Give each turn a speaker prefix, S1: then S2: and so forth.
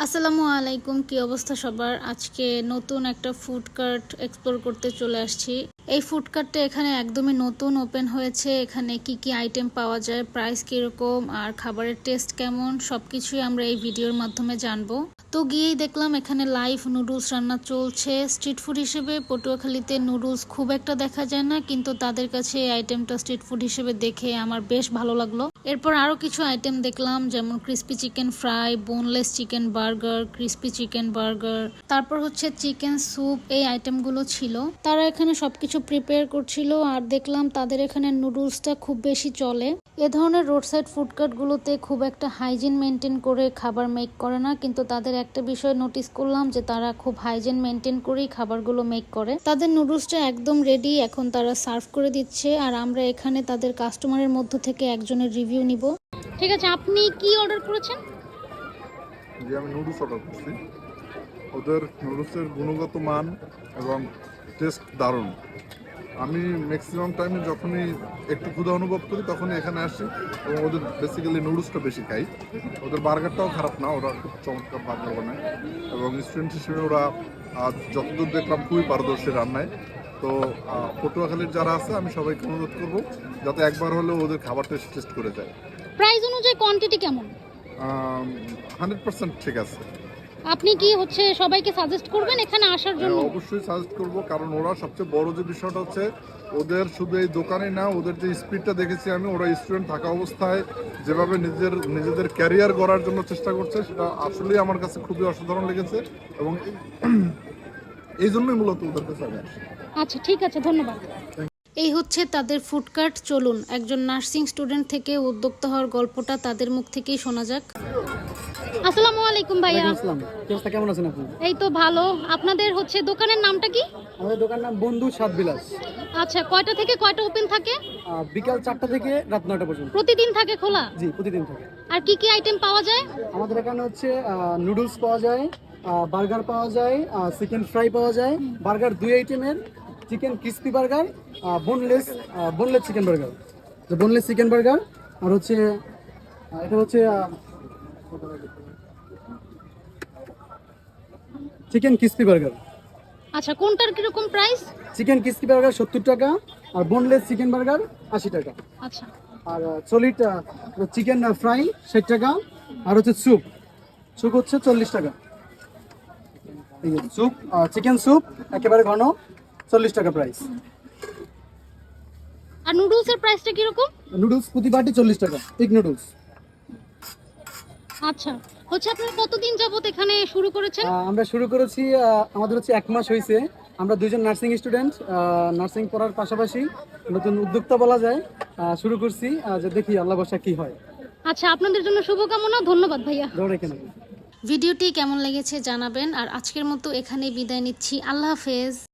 S1: আসসালামু আলাইকুম, কি অবস্থা সবার। আজকে নতুন একটা ফুড কার্ট এক্সপ্লোর করতে চলে আসছি। এই ফুড কার্টটা এখানে একদমই নতুন ওপেন হয়েছে। এখানে কি কি আইটেম পাওয়া যায়, প্রাইস কিরকম আর খাবারের টেস্ট কেমন, সবকিছুই আমরা এই ভিডিওর মাধ্যমে জানবো। তো গিয়েই দেখলাম এখানে লাইভ নুডলস রান্না চলছে। স্ট্রিট ফুড হিসেবে পটুয়াখালীতে নুডলস খুব একটা দেখা যায় না, কিন্তু তাদের কাছে এই আইটেমটা স্ট্রিট ফুড হিসেবে দেখে আমার বেশ ভালো লাগলো। এরপর আরো কিছু আইটেম দেখলাম, যেমন crispy chicken fry, boneless chicken burger, crispy chicken burger, তারপর হচ্ছে চিকেন স্যুপ। এই আইটেমগুলো ছিল। তারা এখানে সবকিছু প্রিপেয়ার করছিল। আর দেখলাম তাদের এখানে নুডলসটা খুব বেশি চলে। এ ধরনের রোড সাইড ফুডকার্ট গুলোতে খুব একটা হাইজিন মেনটেন করে খাবার মেক করে না, কিন্তু তাদের একটা বিষয় নোটিস করলাম যে তারা খুব হাইজিন মেনটেন করেই খাবারগুলো মেক করে। তাদের নুডলসটা একদম রেডি, এখন তারা সার্ভ করে দিচ্ছে। আর আমরা এখানে তাদের কাস্টমারের মধ্য থেকে একজনের রিভিউ নিব। ঠিক আছে, আপনি কি অর্ডার করেছেন?
S2: যে আমি নুডলস অর্ডার করছি, ওদের নুডলসের গুণগত মান এবং টেস্ট দারুণ। আমি ম্যাক্সিমাম টাইমে যখনই একটু ক্ষুধা অনুভব করি তখনই এখানে আসি এবং ওদের বেসিক্যালি নুডলসটা বেশি খাই। ওদের বার্গারটাও খারাপ না, ওরা খুব চমৎকার বার্গার বানায় এবং স্টুডেন্ট হিসেবে ওরা যতদূর দেখলাম খুবই পারদর্শী রান্নায়। তো পটুয়াখালীর যারা আছে আমি সবাইকে অনুরোধ করবো যাতে একবার হলেও ওদের খাবারটা টেস্ট করে যায়।
S1: প্রাইস অনুযায়ী কোয়ান্টিটি কেমন?
S2: 100% ঠিক আছে।
S1: আপনি কি সবাইকে সাজেস্ট করবেন এখানে আসার জন্য?
S2: অবশ্যই সাজেস্ট করব, কারণ ওরা সবচেয়ে বড় যে বিষয়টা হচ্ছে ওদের শুধু এই দোকানে না, ওদের যে স্পিডটা দেখেছি আমি, ওরা স্টুডেন্ট থাকা অবস্থায় যেভাবে নিজেদের ক্যারিয়ার গড়ার জন্য চেষ্টা করছে সেটা আসলেই আমার কাছে খুবই অসাধারণ লেগেছে এবং এই জন্যই মূলত ওদের কাছে আমি আসি।
S1: আচ্ছা, ঠিক আছে, ধন্যবাদ। এই হচ্ছে তাদের ফুড কার্ট। চলুন একজন নার্সিং স্টুডেন্ট থেকে উদ্যোক্তা হওয়ার গল্পটা তাদের মুখ থেকেই শোনা যাক। আসসালামু আলাইকুম ভাইয়া।
S3: আসসালাম, কি অবস্থা, কেমন আছেন আপনি?
S1: এই তো ভালো। আপনাদের দোকানের নামটা কি?
S3: আমাদের দোকানের নাম বন্ধু স্বাদ বিলাস।
S1: আচ্ছা, কয়টা থেকে কয়টা ওপেন থাকে?
S3: বিকাল 4টা থেকে রাত 9টা পর্যন্ত।
S1: প্রতিদিন থাকে খোলা?
S3: জি, প্রতিদিন থাকে।
S1: আর কি কি আইটেম পাওয়া যায়?
S3: আমাদের এখানে নুডলস পাওয়া যায়, বার্গার পাওয়া যায়, চিকেন ফ্রাই পাওয়া যায়। বার্গার 2 আইটেমের, chicken crispy burger, boneless chicken burger, boneless chicken burger. আর এটা চিকেন ক্রিস্পি বার্গার।
S1: আচ্ছা, কোনটার কিরকম প্রাইস?
S3: চিকেন ক্রিস্পি বার্গার 70 টাকা, আর বোনলেস চিকেন বার্গার 80 টাকা।
S1: আচ্ছা।
S3: আর সলিড চিকেন ফ্রাই 60 টাকা। আর স্যুপ 40 টাকা। এই স্যুপ, চিকেন স্যুপ একেবারে ঘন, 40 টাকা প্রাইস।
S1: আর নুডলসের প্রাইসটা কিরকম?
S3: নুডলস প্রতি বাটি 40 টাকা, পিক নুডলস।
S1: আচ্ছা, আপনারা কতদিন যাবত এখানে শুরু করেছেন?
S3: আমরা শুরু করেছি, আমাদের 1 মাস হয়েছে। আমরা 2জন নার্সিং স্টুডেন্ট, নার্সিং পড়ার পাশাপাশি নতুন উদ্যোক্তা বলা যায়, শুরু করছি। যে দেখি আল্লাহ ভরসা কি হয়।
S1: আচ্ছা, আপনাদের জন্য শুভকামনা। ধন্যবাদ ভাইয়া।
S3: দৌড়ে
S1: ভিডিওটি কেমন লেগেছে জানাবেন। আর আজকের মতো এখানেই বিদায় নিচ্ছি। আল্লাহ হাফেজ।